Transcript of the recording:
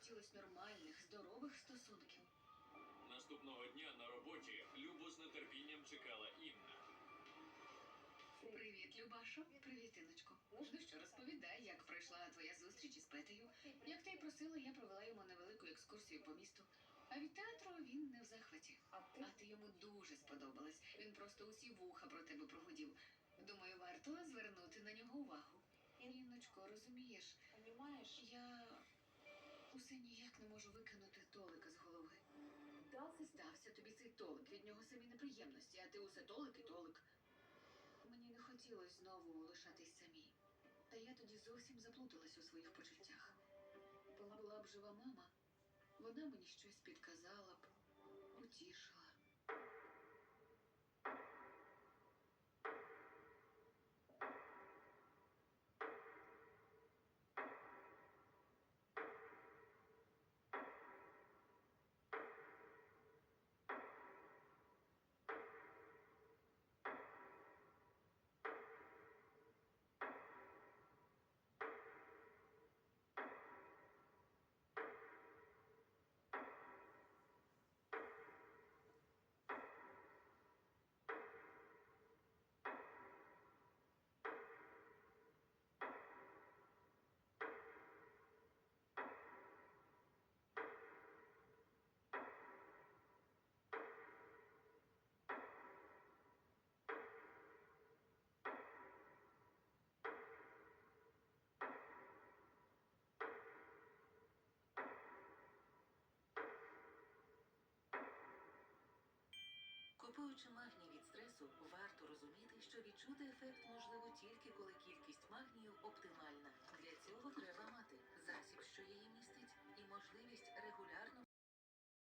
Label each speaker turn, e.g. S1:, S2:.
S1: хотілося нормальних, здорових стосунків.
S2: Наступного дня на роботі Любу з нетерпінням чекала Інна.
S1: Привіт, Любашо. Привіт, Інночко. Ну що, розповідай, як пройшла твоя зустріч із Петею. Як ти й просила, я провела йому невелику екскурсію по місту. А від театру він не в захваті. А ти йому дуже сподобалась. Він просто усі вуха про тебе прогудів. Думаю, варто звернути на нього увагу. Інночко, розумієш, я усе ніяк не можу викинути Толика з голови. Стався тобі цей Толик, від нього самі неприємності, а ти усе Толик і Толик. Мені не хотілося знову лишатись самій. Та я тоді зовсім заплуталась у своїх почуттях. Була б жива мама, вона мені щось підказала б, утішила.
S3: Купуючи магній від стресу, варто розуміти, що відчути ефект можливо тільки коли кількість магнію оптимальна. Для цього треба мати